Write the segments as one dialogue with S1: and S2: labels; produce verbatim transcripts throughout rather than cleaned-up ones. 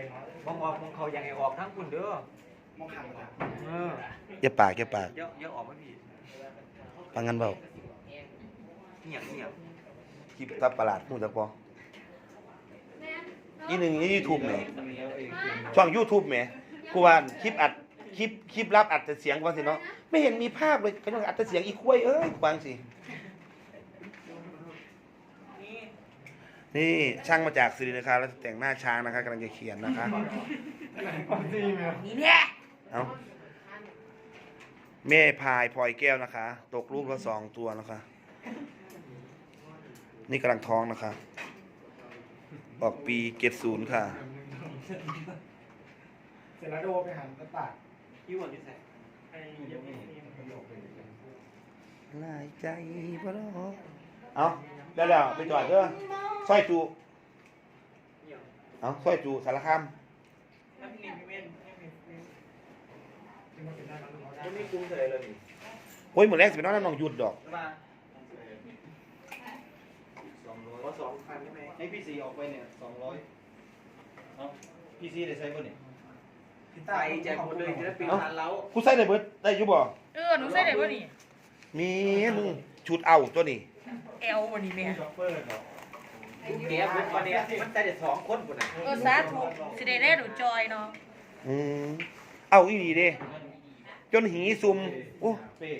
S1: มองออกมองเขาอย่างไอออกทั้งคุณเด้อมองขังเออ
S2: อย่าปากอย่าปาก
S1: เยอะเยอะออกไหมพี่
S2: ปางั้นเบา
S1: เงียบเงียบ
S2: คลิปตับประหลาดพูดจักพออีหนึ่งนี่ยูทูบไหมช่องยูทูบไหมกูว่าคลิปอัดคลิปคลิปรับอัดแต่เสียงกวางสิเนาะไม่เห็นมีภาพเลยก็ต้องอัดแต่เสียงอีกคุ้ยเอ้ยกวางสินี่ช่างมาจากสิรินะคะแล้วแต่งหน้าช้างนะคะกำลังจะเขียนนะคะ
S3: นี่เนี่ย
S2: เอาแม่พายพลอยแก้วนะคะ ตกลูกละสองตัวนะคะนี่กำลังท้องนะคะออกปีเจ็ดศูนย์ค่ะ
S4: เสร็จแล้วโดไปหันกระปาก
S1: ยี่ห้อที่ใส่ไอ้ยังไม่
S2: ลายใจพะโลเอาแล้วแล้วไปจอดเด้อสร้อยจูเอาสร้อยจูสารคาม
S1: ไม่มีกุ้งเลยเลย
S2: โอ้ยเหมือนแรกสิเป็นน้องน้องหยุดดอก
S1: สองร้อยสองพันใช่ไหมให้พี่ซีออกไปเนี่ยสองร้อยเอาพี่ซีได้ใช้ป่ะเนี่ยใส่แจกหมดเลยจะได้ปีนทันแล้ว
S2: กูใส่ได้เบิดได้ยุบบ่
S3: เออหนูใส่ได้ป่ะนี่
S2: มีมึงชุดเอาตัวนี้
S3: เอลวันนี้แม่
S1: เดี๋ยววันนี้มันใส่ได้สองคนคนไหน
S3: เออสาธุสิได้ได้หนูจอยเนาะ
S2: อืมเอาอีนี่เด้จนหีซุ่มโอ้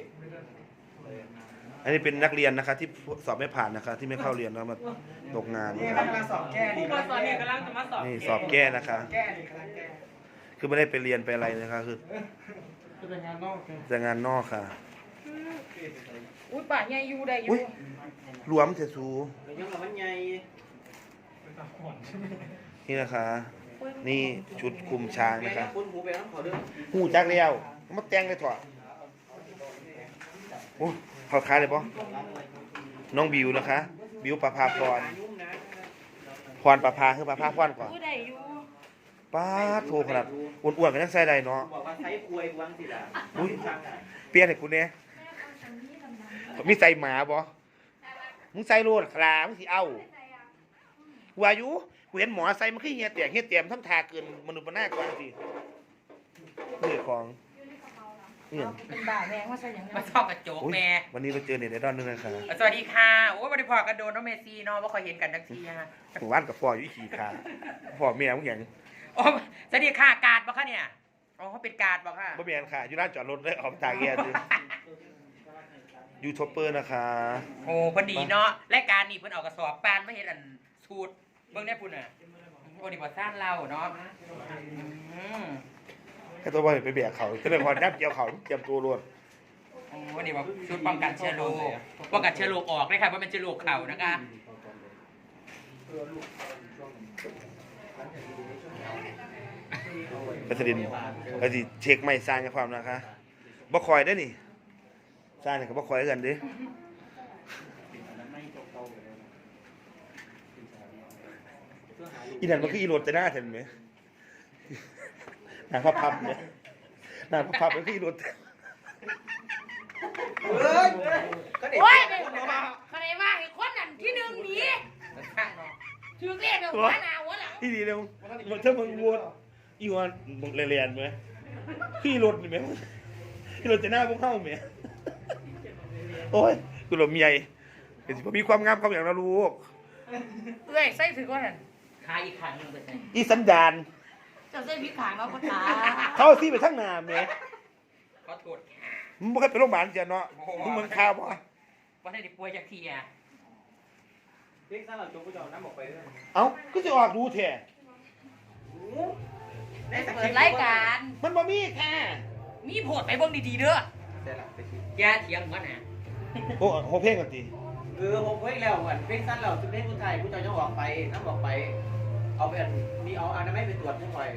S2: อันนี้เป็นนักเรียนนะคะที่สอบไม่ผ่านนะคะที่ไม่เข้าเรียนแล้วมาตกงาน
S4: นี่กำลังสอบแก้
S3: ผู้มาสอนเนี่ยกำลังจะมาสอบ
S2: นี่สอบแก้นะคะ
S4: แก้นี่กำลังแก้
S2: คือไม่ได้ไปเรียนไปอะไรนะคะคือ
S4: จะเป็นงานนอก
S2: จะงานนอกค่ะ
S3: อุ้ยป่าใหญ่อยู่ได้อยู่
S2: รวมเสียสู
S1: ยังกับมันใหญ่
S2: นี่นะคะนี่ชุดคุมช้างนะคะหูจักเลี้ยวมาแต่งเลยถอดโอ้เขาค้าเลยปะน้องบิวนะคะบิวประภาพรพรประภาคือประภาพรก่อนป้าโทรขนาดอ้วนๆกันทั้งไส้ใดเนาะอุ้ยเปลี่ยนให้กูเนี่ยมีใส่หมาบ่มึงใส่โลดคลามึงสิเอาวายุกูเห็นหมอใส่มันขี้เหี้ยเตียงเหี้ยเตียมทำทาเกินมนุษย์มันน่ากว่าสิเรื่องของ
S3: เนี่ยเป็นบ่าแมงว่าใส่ยังไง
S5: มาชอบกระโจกแม่
S2: วันนี้เราเจอเน็ตไอดอลนึงนะคะ
S5: สวัสดีค่ะโอ้บริพอกระโดดน้องเมซี่เนาะว่าคอยเห็นกันนักทีฮะ
S2: หมู่บ้านกับฟออยู่ขี่ขาฟอเมียมึงอย่าง
S5: โอ้สวัสดีค่ะกาดบอกค่ะเนี่ยอ๋อเขาเป็นกาดบอกค่ะ
S2: บ่เมียนค่ะอยู่ร้านจอดรถได้ออกตาแก่ดิยูทูบเบอร์นะคะ
S5: โอ้พอดีเนาะรายการนี้เพิ่นเอากระสอบปานไม่เห็นอันสูตรเบิ่งได้พุ่นอ่ะโอ้นี่บ่สร้างเราเนาะ
S2: แค่ตัวบอลไปเบียดเขาก็เลยพอนับเกี่ยวเขาเตรียมตัวรวด
S5: โอ้นี่ว่าชุดป้องกันเชื้อโรคป้องกันเชื้อโรคออกเลยค่ะว่าเป็นเชื้อโรคเข่านะคะ
S2: กระสินกระสิเช็คไม่สร้างความนะคะบ่คอยได้นี่สร้างเนี่ยก็บ่คอยกันดิอีนั่นมันคืออีโรดแต่หน้าเห็นไหมหน้าพับพับเนี่ยหน้าพับพับมันคืออีโรด
S3: เฮ้ยโอ้ยเขาได้ว่าไอ้คนนั้นที่หนึ่งหนีชื่อเรียกหัวหน้าหัวหลัง
S2: ที่ดีเลยมันถ้ามึงวนอีวันมึงเรียนไหมพี่รถไหมพี่รถจะหน้าพวกเข้าไหมโอ้ยกูหลบเมียเห็นสิผมมีความงามความอย่างนะลูก
S3: เอ้ยใส่ถือว่านั่น
S5: ขาอีกขังนึงเป็นไง
S2: อีสันดาน
S3: จะใส่พริกขางแล้วก็ตา
S2: เขาซีไปทั้งนาเมีย
S5: ขอโทษ
S2: มึงไม่เคยไปโรงพยาบาลเจ้าเนาะมึงเหมือนข้าวป่ะ
S5: ว่าได้ป่วยจากทีอ่ะ
S1: เด็กสาวจงกูจะเอาน้ำออกไปด้วย
S2: เอ้าก็จะออกดูแท้
S3: เปิดรายการ
S2: มันบ่มีแค่
S3: มีโพดไปเบิ่งดีๆเด้
S5: อยาเถียงกันนะ
S2: โอ้โหเพลงกันตี
S1: เออโหเพลงแล้วเหมือนเพลงสั้นแล้วเพลงคนไทยกูจะยังออกไปน้ำออกไปเอาไปมีเอาอันนั้นไม่ไปตรวจทุกหน่อย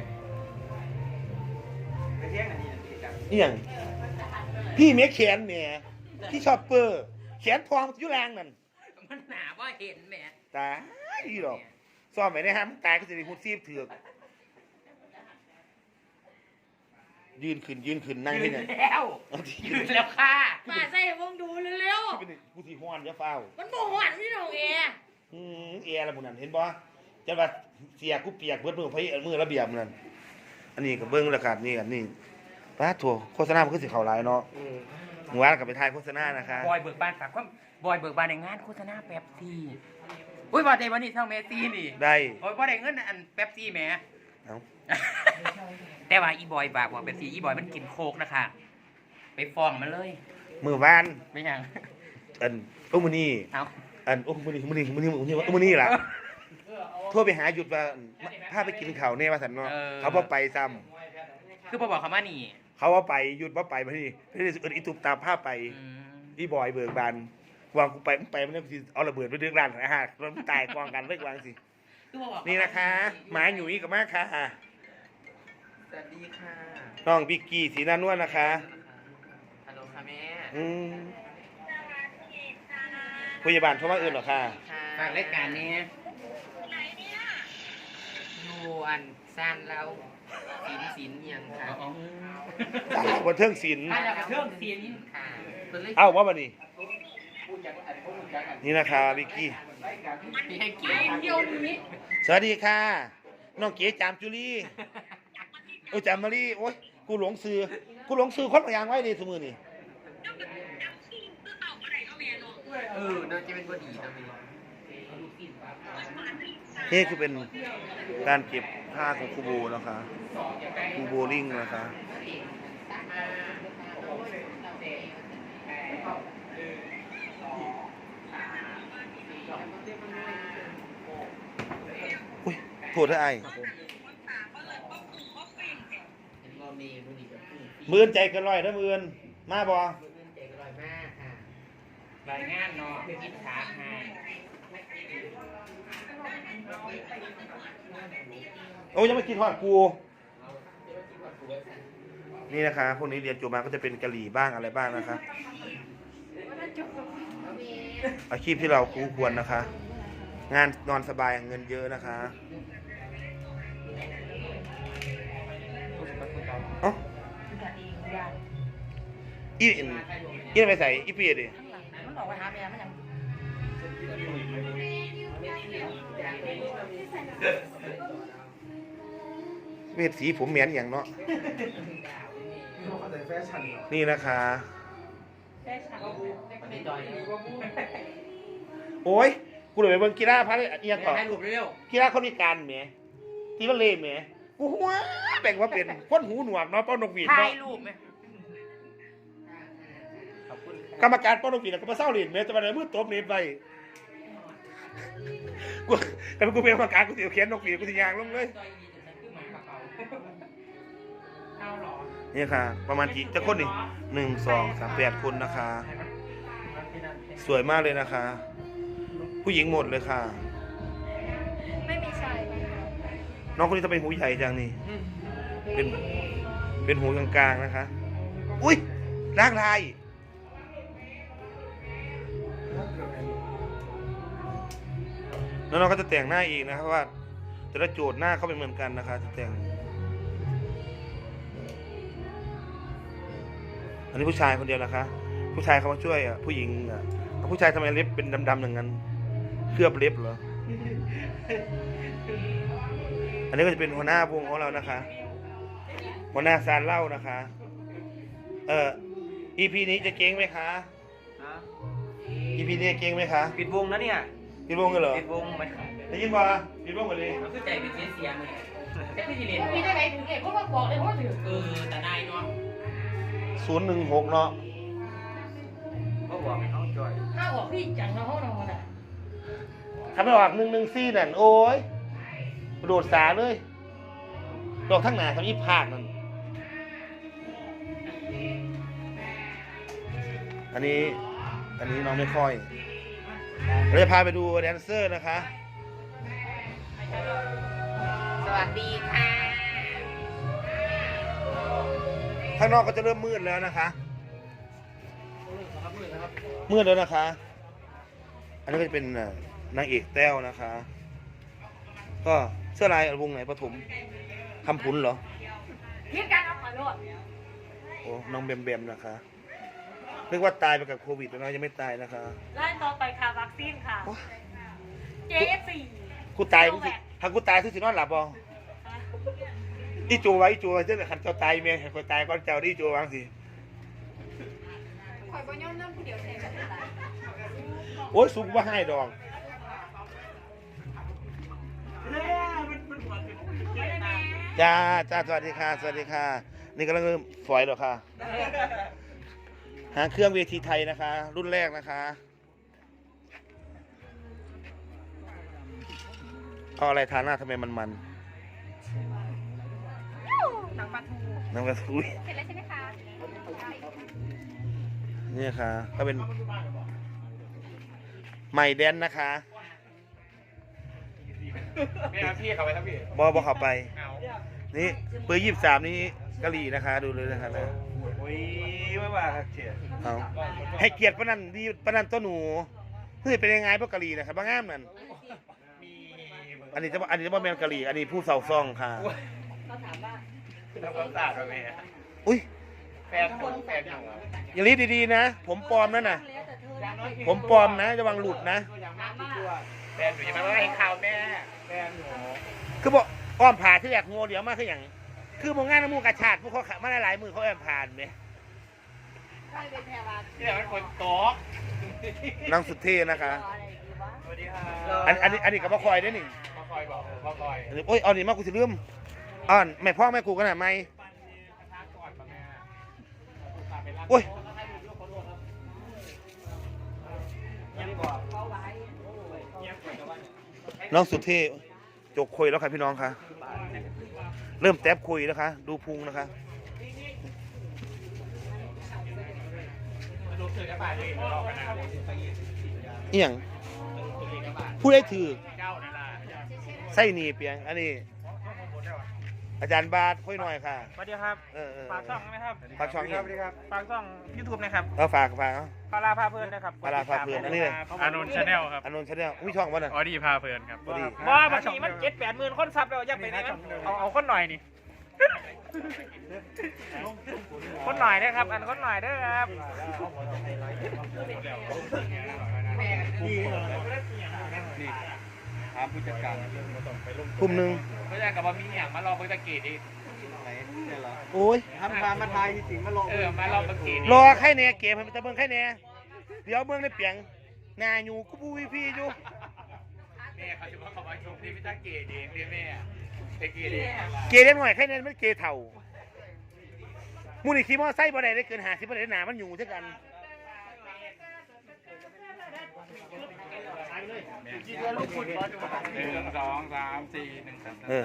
S1: ไปเที่ยงอันนี้นี่จัง
S2: นี่อย่างพี่เมียแขนเนี่ยพี่ชอบเปอร์แขนทองยุ่แรงนั่น
S5: มันหนาว่าเห็นแม่
S2: ตายอีหรอกซ่อมไปได้ฮะมันตายก็จะมีหุ่นซีบเถือกยืนขึ้นยืนขึ้นนั่งที่ไหน
S5: แล้วยืนแล้วค่ะ
S3: มาใส่วงดูเร็ว
S2: ๆกูที่ห้อนจะเฝ้า
S3: มันบ่ห้อนพี่น้องเอ
S2: อืมเออะไรหมดนั่นเห็นบ่จะว่าเสียกูเปียกเบิดมือไผมือระเบียบนั่นอันนี้ก็เบิ่งแล้วกันนี่อันนี้ป้าโถโฆษณามันคือสิเข้าหลายเนาะเมื่อวานก็ไปถ่ายโฆษณานะคะ
S5: บอยเบิกบานฝากความบอยเบิกบานในงานโฆษณาแป๊บซี่อุ้ยว่าใจวันนี้เท่าเมซี่นี่
S2: ได้
S5: โอ้ยบ่ได้เงินอันแป๊บซี่แหม
S2: เอ้า
S5: แต่ว่าอีบอยบากว่าแป๊บซี่อีบอยมันกินโคกนะคะไปฟ้องมันเลย
S2: มื้อวาน
S5: ไม่ยัง
S2: อันโอ้มื้อนี้
S5: เอา
S2: อันโอ้มื้อนี้มื้อนี้มื้อนี้มื้อนี้มื้อนี้ล่ะโทรไปหาหยุดว่าพาไปกินข้าวแน่ว่าซั่นเนาะเขาบ่ไปซ้ำ
S5: คือพอบอกเขามานี่
S2: เขาว่าไปหยุดว่าไปมาที่เพื่อนอีตุบตามภาพไป
S5: อืม
S2: อีบอยเบิกบานวางกูไปมึงไปมันสิเอาระเบิดไปเรื่องร้านอาหารแล้วมันตายกองกันเลิกวางสิ
S5: คือพอบอก
S2: นี่นะคะหมาหนุ่ยกับมากค่ะ
S1: สวัสดีค่ะ
S2: น้องบิกกี้สีหน้านวลนะคะ
S1: ฮัลโหลค่ะแม่
S2: อืมพยาบาลโทรมาอื่นเหรอค่ะ
S5: ฝากรายการนี้
S1: อยู่อันซ่านเราสินสินยังค่ะ
S2: สาวบนเทิงศิลป์
S5: ถ้าจะเพิ่มเสียงนี้
S1: ค่ะ
S2: เอ้าว่าบันนี้นี่นะคะบิกกี้
S5: มีให้เกียรติ
S3: เดียวนี้
S2: สวัสดีค่ะ น้องเก๋จามจุลีโอ้ยจามมารีโอ้ยกูหลงซื้อกูหลงซื้อคนละอย่างไว้ดีสมือนี่
S1: เออน่าจะเป็นบดีนะมี
S2: นี่คือเป็นการเก็บผ้าของครูโบนะคะครูโบลิ่งนะคะอุ้ยโทษได้ไอ้มือนใจเกันร้อยนะมือนมาบอ
S5: รายงานเนาะคิดถามให้
S2: โอ้ยยังไม่กินทอดกูนี่นะคะพวกนี้เรียนจบมาก็จะเป็นกะหรี่บ้างอะไรบ้างนะคะอาชีพที่เราคู่ควรนะคะ งานนอนสบายเงินเยอะนะคะเอ้าอีอินอีนไปใส่อีเปียดิ
S3: มันออกไปหาแม่มันยัง
S2: เวทสีผมเหมียนอย่างเนาะ
S4: เขาใส่แฟชั่นเหรอ
S2: นี่นะคะ โอ้ยกูเลยไปเบิ่งกีฬาพัดเอียงก่อน
S5: ให้รูปเร็ว
S2: กีฬาคนพิการแหมที่ว่าเล่แหมกูหัวแบ่งว่าเป็นคนหูหนวกเนาะเป้านกหวีด
S5: ถ่า
S2: เนาะ
S5: ยรูปไหม
S2: กรรมการเป้านกหวีดก็มาเศร้าเล่นแหมจะมาได้มือตบเน็ตไปกูแต่กูเป็นกรรมการกูสิเอาเขียนนกหวีดกูสิยางลงเลย
S5: เอาหรอ
S2: นี่ค่ะ ประมาณกี่จะคนนี่หนึ่งสองสามแปดคนนะคะ สวยมากเลยนะคะ ผู้หญิงหมดเลยค่ะ
S3: ไม่มีชาย
S2: น้องคนนี้จะเป็นหูใหญ่จังนี่เป็นเป็นหูกลางๆนะคะ อุ้ยร่างลายแล้วน้องก็จะแต่งหน้าอีกนะครับว่าแต่ละโจทย์หน้าเขาเป็นเหมือนกันนะคะจะแต่ง อันนี้ผู้ชายคนเดียวนะคะ ผู้ชายเขามาช่วยอ่ะผู้หญิงอ่ะผู้ชายทำไมเล็บเป็นดำๆอย่างนั้นเคลือบเล็บเหรอ อันนี้ก็จะเป็นหัวหน้าวงของเรานะคะ หัวหน้าซานเล่านะคะ เอ่อ อี พี นี้จะเก่งไหมคะ อี พี นี้เก่งไหมคะ
S1: ปิดวงนะเนี่ย
S2: ปิดวงกันเหรอ
S1: ปิดวงไหม
S2: ได้ยินป่ะปิดวงกันเลย
S5: มันคือใจเป็นเสียเสียเลยแต่พี่เรียน
S3: มีได้ไหนถึงเอกก็มาบอกเลยว่าถือ
S5: เออแต่ได้เนาะ
S2: ศูนย์หนึ่งหกเนาะ
S1: ก็บอกให้เขาจอย
S3: ห้าออกพี่จังนะห้องนอนอ่ะ
S2: ทำไม่ออกหนึ่งหนึ่งซี่นั่นโอ้ยกระโดดสาเลยดอกทั้งหนาทำอีภาคนั่นอันนี้ อันนี้น้องไม่ค่อยเราจะพาไปดูแดนเซอร์นะคะ
S5: สวัสดีค่ะ
S2: ข้างนอกก็จะเริ่มมืดแล้วนะคะ มืดแล้วนะคะ อันนี้ก็จะเป็นเอ่อนางเอกแต้วนะคะ ก็เสื้อลายวงไหนปฐมคำพุนเหรอ
S3: คิดการเอาขอโทษ
S2: โอ้น้องแบมแบมนะคะนึกว่าตายไปกับโควิดแล้วนะยังไม่ตายนะคะ
S3: ไล่ต่อไปค่ะวัคซีนค่ะ เจเอฟซี
S2: กูตายกูสิถ้ากูตายทุกสินอนหลับบ่อีจูไว้อีจูไว้เจ้าขันเจ้าตายเมียขันคนตายก่อนเจ้าอีจูวางสิโอ้ยสุกว่าให้ดอกจ้าจ้าสวัสดีค่ะสวัสดีค่ะนี่กำลังเริ่มฝอยหรอค่ะหาเครื่องเวทีไทยนะคะ รุ่นแรกนะคะเอาอะไรทาหน้าทำไมมันมันหนังปลาทูหนังปลาทูเสร็จแล้วใช่ไหมคะนี่ค่ะก็เป็นใหม่แดนนะคะ
S1: ไม่เอาพี่เข้าไปครับพี่
S2: บอบอเข้าไปนี่เบอร์ยี่สิบสามนี้กะหรี่นะคะดูเลยนะคะนะ
S1: โอ้ยไม่ว่าครับเชียร์
S2: เอาให้เกียรติปนันดีปนันตัวหนูเฮ้ยเป็นยังไงพวกกะหรี่นะครับบ้างามนั่นอันนี้จะอันนี้จะว่าแมนกะหรี่อันนี้ผู้เสาซ่องค่ะ
S3: เขาถามว่า
S1: ทำความสะอาดไปไหม
S2: อุ้ย
S1: แฟนหนูแฟนหนู
S2: อย่ารีบดีๆนะผมปลอมนั่นน่ะผมปลอมนะระวังหลุดนะ
S1: แฟนหนูอย่ามาให้ข่าวแม่แฟนหนู
S2: คือบอกอ้อมผ่าที่อยากงัวเดี๋ยวมาคืออย่างคือมองงานน้ำมูกกระชาดพวกเขามาหลายๆมือเขาแอมผ่านไหม
S1: นี่แหละมันคนโต๊ะ
S2: นางสุดเท่นะคะ
S1: สวัสดีค่ะ
S2: อันอันนี้อันนี้กับพ่อคอยได้หนิ
S1: พ่อคอยบอกพ่อคอย
S2: โอ้ยเอาหนิมากูสิลืมอ่อนแม่พ่อแม่กูกันหน่ะไหมโอ้ยน้องสุดเท่จกคุยแล้วค่ะพี่น้องค่ะเริ่มแท็บคุยแล้วค่ะดูพุงนะคะเอียงผู้ได้ถือไส้หนีเปียงอันนี้อาจารย์บาทค่อยหน่อยค่ะ
S6: สวัสดีครับ
S2: เออเออ
S6: ฝากช่องไหมครับ
S2: ฝากช่องอีก
S6: ฝากช่องยูทูบนะครับ
S2: เออฝากฝากเอา
S6: พาราพาเพลินนะครับ
S2: พาราพาเพลินอันนี้เลย
S6: อานนท์ชาแนลครับ
S2: อานนท์ชาแนลอุ้ยช่องวะน่ะ
S6: ออดี้พาเพลินครับ
S2: ออดี้
S6: ว่าบางทีมันเจ็ดแปดหมื่นคนซับแล้วยังไปไหนมันเอาเอาคนหน่อยนี่คนหน่อยนะครับอันคนหน่อยเด้อครับ
S1: ถามผู้จัดการ
S2: กลุ่มหนึ่ง
S1: ผู้จัดการกับว่ามีอย่างมารอเบอร์ตะกี้ดิไหนเนี่ยเหรอ
S2: โอ้ย
S1: ทำพามาทายจริงๆมารอเออมารอเบอร์กี้
S2: รอใครแหน่เกมให้มันจะเบิ่งใครแหน่เดี๋ยวเบิ่งในเปียงหนาอยู่กูบูวีพีอยู่
S1: แม่เขาจะมาขอมาชมที่พิจารณาเกดีเรียแม่เกดี
S2: เกเล็กหน่อยใครแหน่มันเกเถ่ามูนี่ขี่มอไซค์บ่ได้ได้เกินห้าสิบบ่ได้หนามันอยู่เท่ากัน
S1: หนึ่งสองสามสี่หนึ่งสาม
S2: เออ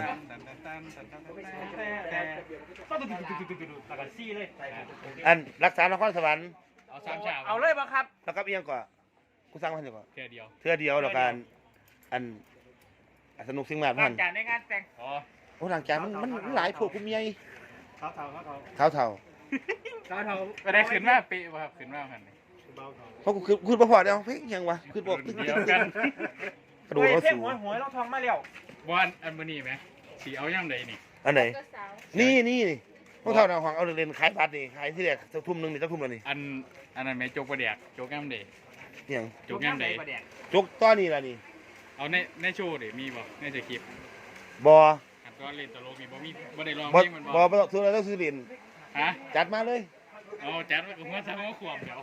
S2: อันรักษานครสวรรค์
S1: เอาสามฉาก
S6: เอาเลยบ่ครับ
S2: แล้วก็เอียงก่อนกูสั่งมาให้ก่อน
S1: แค่เดียว
S2: เทื่อเดียวแล้วกันอันอันสนุกสิ่งมากพัน
S6: จานในงานแต่ง
S1: อ๋อ
S2: โอ้หลังจากมันมันมันหลายพวกกูเมีย
S1: เขาเท่าเขาเท่า
S2: เท้าเท่า
S1: เขาเท่าไม่ได้ขึ้นมาปีป่ะครับขึ้นมาพัน
S2: เพราะกูคือคือประพอเดียวเฮ้ยยังวะคือบอกตึ๊กตึ๊กตึ๊กตึ๊กกระโดดเขา
S6: เพ่ง
S2: สูง
S6: หวยหวยเราทองมาแล้ว
S1: บอนอันมันนี่ไหมสีเอาย่ำใดนี่
S2: อันไหนนี่นี่นี่พวกเท่านาหวังเอาเรียนขายบัตรนี่ขายที่แรกจะทุ่มหนึ่งนี่จะทุ่มแล้วนี่
S1: อันอันนั้นไหมโจกประเดียกโจกย่ำใด
S2: เนี่ยง
S1: โจกย่ำใด
S2: จกต้อนนี่ละนี่
S1: เอาในในโชว์ดิมีบ่ในสคริปต์
S2: บอ
S1: อันก็เล่นตลกมีบ่มีบ่ได้ร้อง
S2: บอ
S1: เพลงมัน
S2: บ
S1: บ่
S2: อบ่ต้องซื้ออะไรต้องซื้อเหรียญ
S1: ฮะ
S2: จัดมาเลย
S1: เอาจัดไว้กับหัวซะหัวขวบเดี๋ยว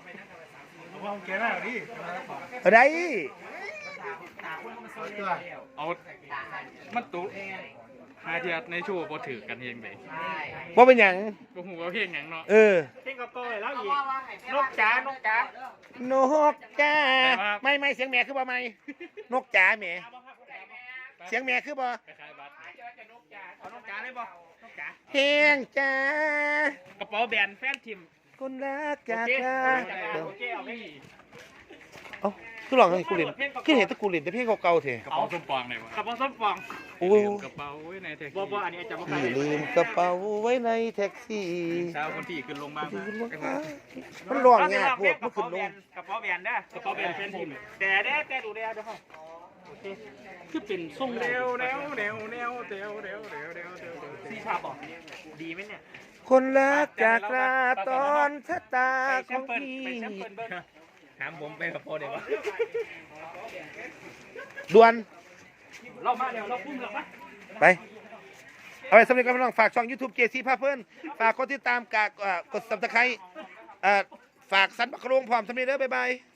S2: อะไร
S1: เอามันตุหาเทียในโชว์บ่ถือกันเองเด้
S2: ว่าเป็นหยัง
S1: บ่ฮู้ว่าเพลงหยังเนาะ
S2: เออ
S6: เพ่งกับโก้แล้วอีกนกจ๋านกจ๋าน
S2: กจ้าไม่ไม่เสียงแม่คือบ่ไม่นกจ๋าแม่เสียงแม่คือบ่
S1: คล้ายๆบัตร
S6: เอานกจ๋าเลยบ่นกจ๋า
S2: แหงจ้าก
S6: ระเป๋าแบรนด์แฟนทิม
S2: คนรักจาก
S6: โอเค
S2: ลา
S6: โอเคเอาไป
S2: เอ้าคือหลอกให้กูเล่นคือเห็นแตะกูเล่นแต่เพลงเก่าๆเถอะ
S1: กระเป๋าส้มปองไหนวะ
S6: กระเป๋าส้มฟอง
S2: โอ้ย
S1: กระเป๋าไว้ในแท็ก
S6: บ่
S1: ซี่
S6: บ่อันนี้จะบ่
S2: พี่ลืมกระเป๋าไว้ในแท็กซี่
S1: เช้าคนที่ขึ้นลงบ้าง
S2: มันร้องยากพวก
S6: ก
S2: มั
S6: ระ
S2: นขึ้
S6: เป๋าน แบ
S2: ล
S6: รง นด์กระเป๋าแบรนด์เด้อกระเป๋าแบรนด์แฟนทิมแต่เด้แต่ดูเด้เด้อโอเคคือเป็นทรง
S1: เร็วเร็วเร็วเร็วเร็วเร็วเร็วเร็วเร็ว
S6: ซีชาบอกดีไหมเนี่ย
S2: คนรักจากลาตอนชะตาของพี่
S6: ถามผมไปกับโปรเดี๋ยววะ
S2: ด่วน
S6: เรามาแล้วเราคุ้มแล้วปะ
S2: ไปเอาไปสำเร็จกันพี่น้องฝากช่อง YouTube เจซีพาเพิ่นฝากกดติดตามกากเอ่อกด Subscribe เอ่อฝากสันบักกะโลงพร้อมสำเร็จเด้อบ๊ายบาย